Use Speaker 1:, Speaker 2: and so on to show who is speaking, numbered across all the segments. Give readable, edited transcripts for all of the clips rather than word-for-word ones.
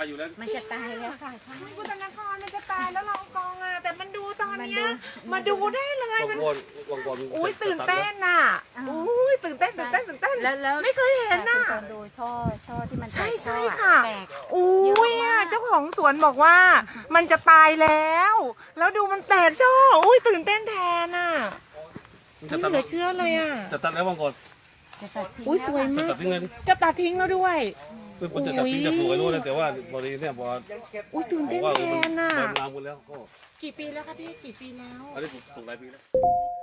Speaker 1: อยู่แล้ว
Speaker 2: มันจะตายแล้วค่ะ
Speaker 3: พุทธนครมันจะตายแล้วลองกองอ่ะแต่มันดูตอนเนี้ยมาดูได้เลยมันอุ้ยตื่นเต้นน่ะอุ้ยตื่นเต้น
Speaker 2: แล้ว
Speaker 3: ไม่เคยเห็นน่ะ
Speaker 2: ตอนดูช่อที่มัน
Speaker 3: ใช่
Speaker 2: ช่อ
Speaker 3: ค่ะ
Speaker 2: แตก
Speaker 3: อุ้ยอ่ะเจ้าของสวนบอกว่ามันจะตายแล้วดูมันแตกช่ออุ้ยตื่นเต้นแทนน่ะไม่เหลือเชื่อเลยอ่ะ
Speaker 1: จะตัดแล้วบางคน
Speaker 3: อุ้ยสวยมาก
Speaker 1: จะตัดทิ้งเลย
Speaker 3: จะตัดทิ้งแล้วด้วย
Speaker 1: มันจะตัดทิ้งจะปลูกไว้นู่นแต่ว่าพอดีเนี่ยพอ
Speaker 3: อุ้ยตื่นเต้นแทนน่ะ
Speaker 1: มันลามกันแล้วก็
Speaker 3: กี่ปีแล้วคะพี่กี่ปีแล้ว
Speaker 1: อันนี้ปลูกหลายปีแล้ว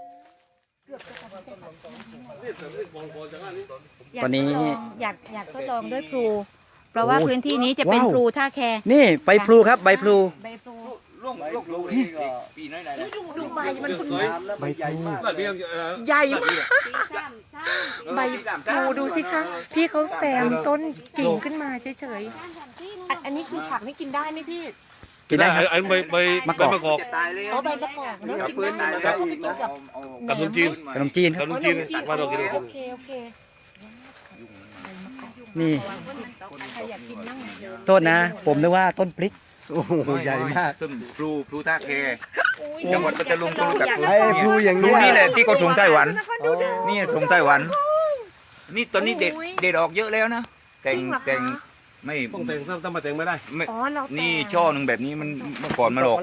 Speaker 2: ตอนนี้อยากทดลองด้วยพลูเพราะว่าพื้นที่นี้จะเป็นพลูท่าแค
Speaker 4: นี่ใบพลูครับใบพลู
Speaker 2: ใบพลู
Speaker 5: ลูกนี่ก็ปีน้อยๆนะ
Speaker 3: ดูใบมันคุณ
Speaker 5: ใบใหญ่มาก
Speaker 3: ใหญ่มากใบพลูดูสิคะพี่เขาแซมต้นกิ่งขึ้นมาเฉยๆอันนี้คือผักนี่กินได้ไหมพี่
Speaker 1: กินได้ครับใบมะกอก
Speaker 3: อ๋อใบมะกอกเนื้อกินได้แล้วก็ไปกินกับ
Speaker 1: ขนมจีน
Speaker 4: ขนมจีนครับ
Speaker 1: ขนมจีนมาเรากิน
Speaker 3: โอเค
Speaker 4: นี่
Speaker 3: ใครอยากกินบ้าง
Speaker 4: ต้นนะผมนึกว่าต้นพริก
Speaker 5: โอ้โหใหญ่มาก
Speaker 6: ต้นพลูท่าแคจังหวัดปัตตานีก็รู้จักพลู
Speaker 5: ไอ้พลูอย่าง
Speaker 6: พลู
Speaker 5: นี้
Speaker 6: นี่แหละที่เขาส่งไต้หวันนี่ส่งไต้หวันนี่ตอนนี้เด็ดออกเยอะแล้วนะแต่งไม่
Speaker 1: ต้องแต่งต้องมาแต่งไม่ได้
Speaker 6: นี่ช่อหนึ่งแบบนี้มันเมื่อก่อนมันออก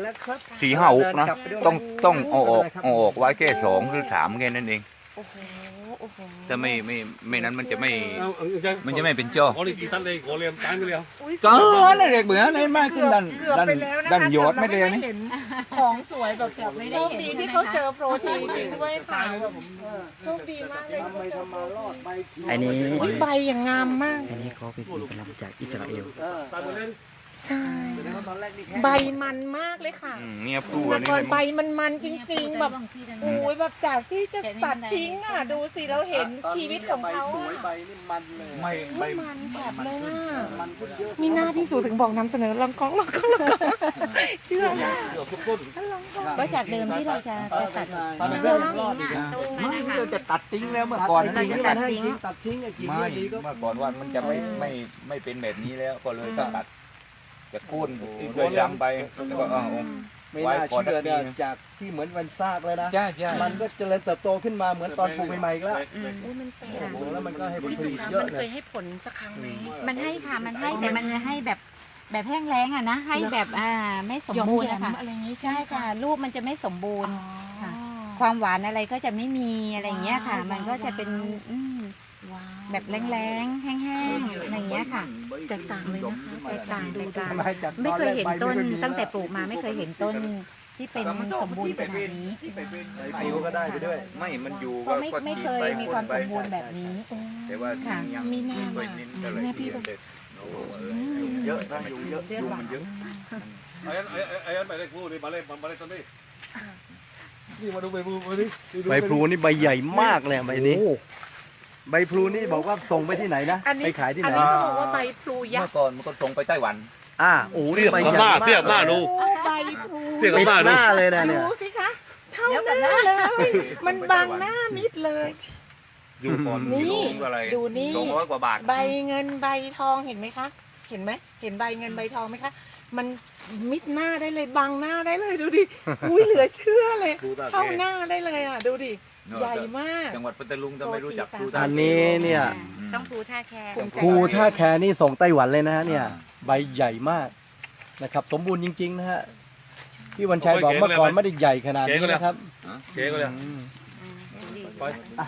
Speaker 6: 4-5 นะต้องเอาออกไว้แค่2 หรือ 3แค่นั้นเองแต่ไม่นั้นมันจะไม่เป็นช่อ
Speaker 1: ขอเลยกี่ตันเลยขอเรียมตายไปแล้ว
Speaker 6: ก็เลยเด็กเหมือนอะไรมากขึ้นดันยอดไม่เลยนี่
Speaker 3: ของสวยแบบ
Speaker 2: ไม่
Speaker 3: โช
Speaker 2: ได้
Speaker 3: คดีที่เขาเจอโปรตีนจริงด้วยค่ะโชคดีมากเลย
Speaker 4: อันนี้
Speaker 3: ใบอย่างงามมาก
Speaker 4: อันนี้เขาเป็นผลิตภัณฑ์จากอิสราเอล
Speaker 3: ใช่ใบมันมากเลยค่ะ
Speaker 6: เนี่ยพลู
Speaker 3: แล้ว
Speaker 6: นี่
Speaker 3: ก็ใบมันจริงๆแบบโอ้ยแบบจากที่จะตัดทิ้งอ่ะดูสิเราเห็นชีวิตของเขา
Speaker 5: ใบนี่มันเลย
Speaker 6: ไม่
Speaker 3: มันแบบเลยอ่ะมีหน้าพี่สูถึงบอกนำเสนอลองกล้องเชื่อมาก
Speaker 2: ก็จากเดิมที่เราจะตัด
Speaker 5: ตอนนี้รอดอีกนะเราจะตัดทิ้งแล้วเมื่อก่อนตัดทิ้งไอ้กี่
Speaker 6: ไม่
Speaker 5: ดีก็
Speaker 6: เมื่อก่อนว่ามันจะไม่เป็นแบบนี้แล้วก็เลยต้องตัดจะโค่นด้วยยำไปแล้วก็
Speaker 5: ไม่น่าเชื่อเนี่ยจากที่เหมือนมันซากเลยนะ
Speaker 6: ใช่
Speaker 5: มันก็เจริญเติบโตขึ้นมาเหมือนตอนปลูกใหม่ๆแล้ว
Speaker 3: มันแปลก
Speaker 5: แล้วมันก็ให้ผลผลิตเย
Speaker 3: มั
Speaker 5: อะ
Speaker 3: น
Speaker 5: เล
Speaker 3: เค
Speaker 5: ย
Speaker 3: ยให้ผลสักครั้งไหม
Speaker 2: มันให้ค่ะมันให้แต่มันให้แบบแห้งแล้งอ่ะนะให้แบบไม่สมบูรณ์นะคะ
Speaker 3: อะไรอย่างนี้
Speaker 2: ใช่ค่ะลูกมันจะไม่สมบูรณ์ค่ะความหวานอะไรก็จะไม่มีอะไรอย่างเงี้ยค่ะ มันก็จะเป็นแบบแรงๆแห้งๆอะไรอย่างเงี้ยค่ะ
Speaker 3: แตกต่างเลยนะคะ
Speaker 2: แตกต่างไม่เคยเห็นต้นตั้งแต่ปลูกมาไม่เคยเห็นต้นที่เป็นสมบูรณ์ขนาดนี้
Speaker 5: ผิวก็ได้ไปด้วย
Speaker 6: ไม่มันอยู่
Speaker 2: ก็ไม่เคยมีความสมบูรณ์แบบนี้
Speaker 6: แต่ว่ายัง
Speaker 3: มีหน้า
Speaker 6: ไป
Speaker 3: มา
Speaker 6: นินก็เลย
Speaker 3: พี่แบบ
Speaker 5: เยอะนะยุงเยอะ
Speaker 6: ยุงมันเยอะ
Speaker 1: ไอ้ไปเล็กพูดดิมาเล็กตอนนี้นี่มาดูใบพลูดิ
Speaker 5: ใบพลูนี่ใบใหญ่มากเลยใบนี้ใบพลูนี่บอกว่าส่งไปที่ไหนนะไปขายที่ไหน
Speaker 3: อันนี้เขาบอกว่าใบพลูยั
Speaker 6: เมื่
Speaker 3: ก
Speaker 6: อ
Speaker 3: ษ์
Speaker 6: ก่อนมันก็ส่งไปไต้หวัน
Speaker 5: โอ้นี่ใบ
Speaker 1: กับ
Speaker 5: ให
Speaker 1: ห
Speaker 5: ญ่
Speaker 1: น้าเทียบหน้าดู
Speaker 3: ใบพลู
Speaker 1: เทียบกับหน้า
Speaker 5: ห
Speaker 1: ดู
Speaker 5: น้าเลยนะเนี่ย
Speaker 3: ดูสิคะเท่าหน้าเลยมันบังหน้ามิดเลย
Speaker 6: อยู่ก่อน
Speaker 3: นี่
Speaker 6: อะไร
Speaker 3: ดูนี่
Speaker 6: 200 กว่าบาท
Speaker 3: ใบเงินใบทองเห็นไหมคะเห็นไหมเห็นใบเงินใบทองไหมคะมันมิดหน้าได้เลยบังหน้าได้เลยดูดิอุ้ยเหลือเชื่อเลยเข้าหน้าได้เลยอ่ะดูดิใหญ่มาก
Speaker 6: จังหวัดปัตตานีจะไม่รู้จักพลู
Speaker 5: อันนี้เนี่ย
Speaker 2: ต้องพลูท่าแค
Speaker 5: พลูท่าแคนี่ส่งไต้หวันเลยนะฮะเนี่ยใบใหญ่มากนะครับสมบูรณ์จริงๆนะฮะพี่วันชัยบอกเมื่อก่อนไม่ได้ใหญ่ขนาดนี้นะครับ
Speaker 1: เก๋ก็เลย
Speaker 5: ไป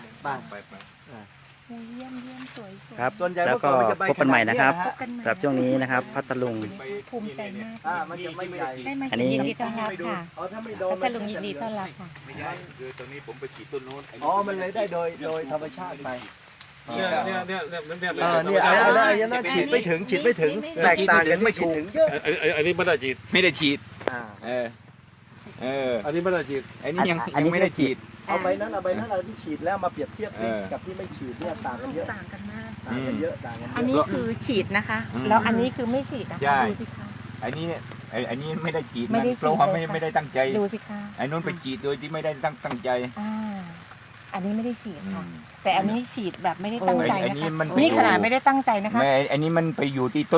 Speaker 3: เยี่ยมสวย
Speaker 4: ครับ
Speaker 5: ส่วนใหญ่
Speaker 4: แล้วก็
Speaker 5: เมื่อก่อนมันจะใบ
Speaker 4: พบกันใหม่นะครับ
Speaker 5: ขนาดนี้นะฮะ
Speaker 4: สำหรับช่วงนี้นะครับพัทลุง
Speaker 3: ภูมิใจมาก
Speaker 5: มันจะไม่ใหญ่
Speaker 2: ได้มา
Speaker 4: อันนี้
Speaker 2: ยินดีต้อนรับค่ะ
Speaker 5: ถ้าไม่โดน
Speaker 2: พัทลุงยินดีต้อนรับค่ะ
Speaker 6: ไม่ใช่คือตอนนี้ผมไปฉีดต้นโน้น
Speaker 5: มันเลยได้โดยธรรมชาติไป
Speaker 1: เนี่ย
Speaker 5: อันนั้นฉีดไม่ถึงแตกต่างกันไม่ถูกเยอะ
Speaker 1: อันนี้ไม่ได้ฉีด
Speaker 6: ไม่ได้ฉีด
Speaker 1: อันนี้ไม่ได้ฉีด
Speaker 6: อันนี้ยังไม่ได้ฉีด
Speaker 5: เอาใบนั้นที่ฉีดแล้วมาเปรียบเทียบกับที่ไม่ฉีดเนี่ยต่างกันเยอะ
Speaker 3: ต่างกันมาก
Speaker 5: ต่างกันเยอะต่างกัน
Speaker 3: อันนี้คือฉีดนะคะ แล้วอันนี้คือไม่ฉีดนะคะดูสิคะ
Speaker 6: อันนี้ไม่ได้ฉีด
Speaker 3: ไม่ได้ฉีด
Speaker 6: เพราะว่าไม่ได้ตั้งใจ
Speaker 3: ดูสิคะ
Speaker 6: ไอ้นู้นไปฉีดโดยที่ไม่ได้ตั้งใจ
Speaker 3: อันนี้ไม่ได้ฉีดค่ะ แต่อันนี้ฉีดแบบไม่ได้ตั้งใจ
Speaker 6: อัน
Speaker 3: นะ
Speaker 6: นี้
Speaker 3: คะ
Speaker 6: มัน
Speaker 3: นี่ขนาดไม่ได้ตั้งใจนะคะ
Speaker 6: อันนี้มันไปอยู่ที่